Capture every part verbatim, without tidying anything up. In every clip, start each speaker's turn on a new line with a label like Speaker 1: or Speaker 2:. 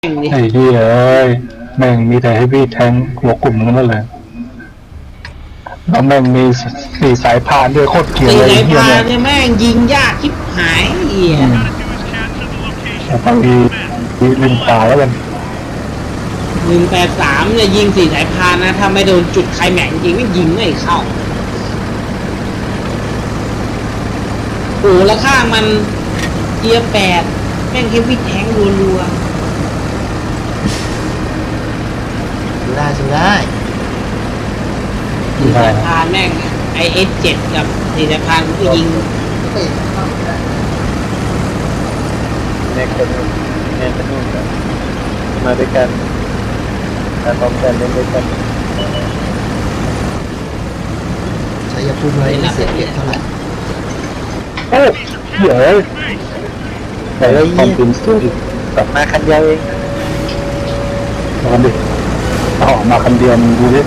Speaker 1: ไอ้ที่เอ้ยแม่งมีแต่ให้พี่แทงหัวกลุ่มนั่นเลยแล้วแม่งมีสี่สายพานด้วยโคตรเกลียดเลย
Speaker 2: สี่สาย
Speaker 1: เฮีย
Speaker 2: พาน
Speaker 1: เนี่ย
Speaker 2: เนี่ยแม่งยิงยากชิบหายเหี้ย
Speaker 1: ไปลิงป่าแล้วกัน
Speaker 2: หนึ่งแปดสามเนี่ยยิงสี่สายพานนะถ้าไม่โดนจุดไคลแม็กซ์จริงไม่ยิงไม่เข้าโอ้แล้วข้างมันเกียร์แปดแม่งเฮฟวี่แทงรัว
Speaker 3: สู้ได้สู้ได้
Speaker 2: ๆสี่สายพานแม่งไอเอสเจ็ดกับสี่สายพานก็ยิง
Speaker 4: แน่กันแน่กันนู่นกันมาด้วยกันการพร้อมกันเล่นด้วยกัน
Speaker 3: ชัยภูมิเลยไม่เสียเปรียบเท่าไหร่
Speaker 1: โอ้เหี้ยแต่แล้วความเป็นสู้อีก
Speaker 4: กลับมาคันเดียวเอง
Speaker 1: ลองดิเอาออกมาคันเดียวมึงดูดิ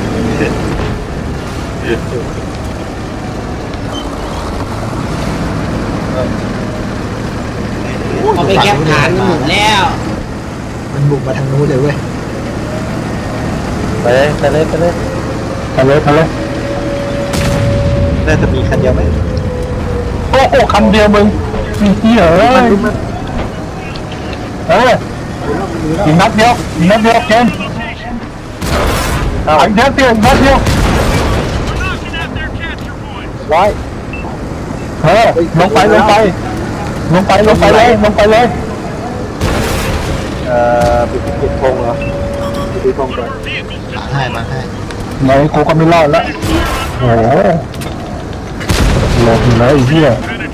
Speaker 2: เอาไปแคปฐานหมดแล้ว
Speaker 3: มันบุกมาทางนู้นเลยเว้ย
Speaker 4: ไปเลยไปเลยไปเลย
Speaker 1: ไปเลยไปเลย
Speaker 4: น่าจะมีคันเดียวไหม
Speaker 1: โอ้โหคันเดียวมึงเหี้ยเอ้ยเอออีกนัดเดียวอีกนัดเดียวเกมอีกนัดเดียวอีกนัดเดียว
Speaker 4: ร้อย
Speaker 1: เออลงไปลงไปลงไปลงไปเลยลงไปเลย
Speaker 4: เอ่อปิดปิดธงเหรอปิดธงก่อน
Speaker 3: มาให้มาให้
Speaker 1: ไงกูก็ไม่รอดแล้วโอ้โหหลบอยู่แล้วไอ้เหี้ย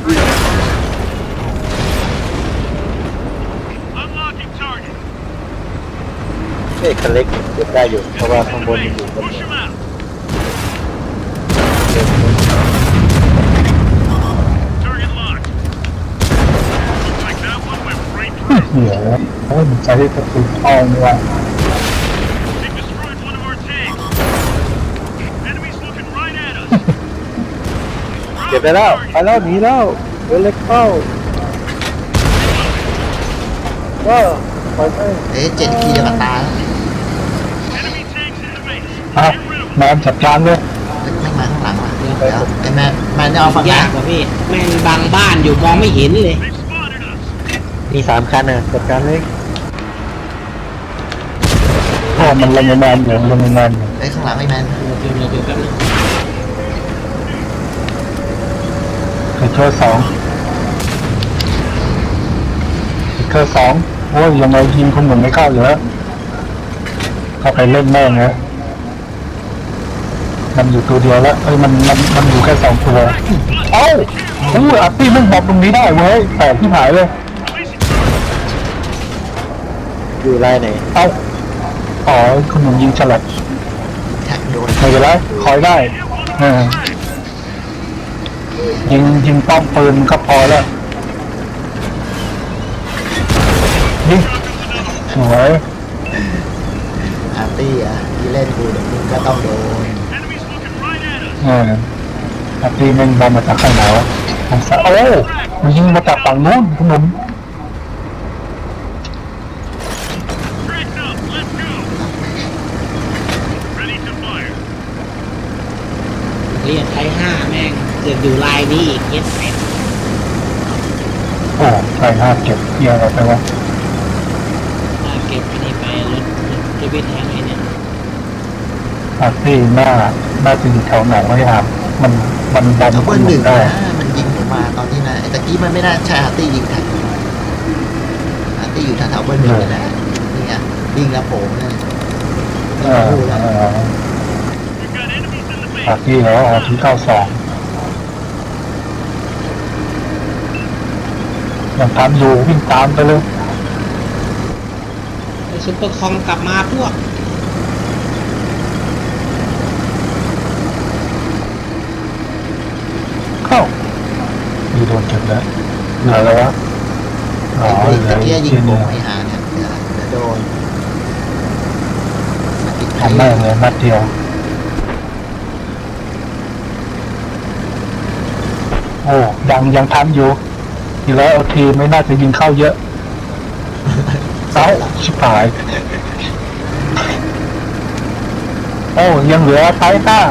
Speaker 4: เอกคันเล็กเก็บได้อยู่เพราะว่าข้างบนมันอยู่บน
Speaker 1: เหี้ยโอ้ยมันใช้กระสุนทองเลยว่ะ
Speaker 4: เก็บไปแล้วไปแล้วหนีแล้วเรือเล็กเข้าก็ปล่อยไป
Speaker 3: เอ๊ะเจ็ดขีจะมาตายแล้ว
Speaker 1: อ่ะแมนจัดการเลย
Speaker 3: ไม่มาข้างหลังว่ะเดี๋ยวไอ้แมนแมนจะเอาฝั่งไหน
Speaker 2: ยากกว่าพี่แม่งบังบ้านอยู่มองไม่เห็นเลย
Speaker 4: มีสามคันน่ะจัดการเลย
Speaker 1: โอ้มันลงแมนอยู่ลงแมนอยู่
Speaker 3: ไอ้ข้างหลังไอ้แมน
Speaker 2: เดี๋ยวเดี๋ยวเดี๋ยวแป๊บนึง
Speaker 1: ไอ้เคอร์สองไอ้เคอร์สองโอ้ยยังไงยิงคนหมุนไม่เข้าอยู่แล้วเข้าไปเล่นแม่งนะมันอยู่ตัวเดียวแล้วเอ้ยมันมันมันอยู่แค่สองตัวเอ้าอู้อาร์ตี้มันบอมตรงนี้ได้เว้ยแปลกที่หายเลย
Speaker 4: อยู่ไล่ไหน
Speaker 1: เอ้าอ๋อคุณหนุ่มยิงฉลับ
Speaker 3: แท็กโดน
Speaker 1: ไม่เป็นไรคอยได้เออยิงยิงป้อมปืนก็พอแล้วยิงสวย
Speaker 3: อาร์ตี้อ่ะที่เล่นกูเดี๋ยวมึงก็ต้องโดน
Speaker 1: เอออาร์ตี้แม่งบอมมาจากข้างไหนวะทางซ้ายโอ้มันยิงมาจากฝั่งนู้นคุณหนุ่ม
Speaker 2: เรียกไทยห้าแม่งเกิดอยู่ลายนี้อีกเย็ดแปด
Speaker 1: โอ้ใช่ห้าเก็บเกียร์อะไรไปวะ
Speaker 2: อ่าเก็บอันนี้ไปรถเฮฟวี่แทงไอ้เนี่ย
Speaker 1: อาร์ตี้หน้าหน้าจะอยู่แถวไหนไม่ถามมันมันบอม
Speaker 3: ดับเบิ
Speaker 1: คุ
Speaker 3: ล
Speaker 1: ณห
Speaker 3: ห
Speaker 1: นุ่
Speaker 3: นึ่
Speaker 1: ม
Speaker 3: ง
Speaker 1: ได้
Speaker 3: นะมันยิงผมมาตอนนี้นะไอ้ตะกี้มันไม่น่าใช่อาร์ตี้ยิงแท็กอาร์ตี้อยู่แถวๆเบิลหนึ่งเลยนะนี่ไงยิงแล้วโผล่เลย
Speaker 1: เออเอออาร์ตี้แล้วอาร์ตี้เก้าสองยังตามอยู่วิ่งตามไปเลย
Speaker 2: ไอ้ซุปเปอร์คอมกลับมาพวก
Speaker 1: เข้ามีโดนเก็บแล้วเหลืออะไรวะอ๋อ
Speaker 3: ไอ้
Speaker 1: เหลื
Speaker 3: ตะ
Speaker 1: อ
Speaker 3: กี้ยิง
Speaker 1: ที่
Speaker 3: โผล่
Speaker 1: นี่
Speaker 3: ไอ้หาเนี่ยเดี๋ยวเดี๋ยวโดนมาติดไทย
Speaker 1: ทำได้เลยนัดเดียวโอ้ยังยังทันอยู่ทีแล้วทีไม่น่าจะยิงเข้าเยอะเอ้าชิบหายโอ้ยังเหลือไทยห้า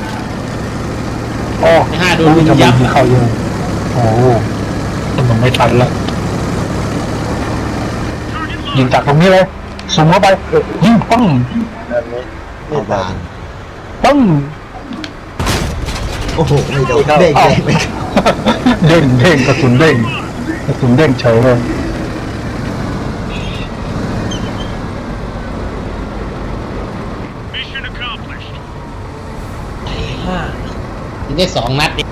Speaker 1: โอ้
Speaker 2: ไอ้ห้าโดนลุม
Speaker 1: จะ
Speaker 2: ยับ
Speaker 1: มีเข้าอยู่โอ้มันไม่ทันละยิงจากตรงนี้เลยสูงเข้าไปยิงปัง
Speaker 4: แบบนี้
Speaker 3: เอาบาน
Speaker 1: ปัง
Speaker 3: โอ้โหไม่โดนเด้งเลยไม่เข้า
Speaker 1: เด้งเด้งกระสุนเด้งกระสุนเด้งเฉยเลย
Speaker 2: ยิงได้สองนัดเอง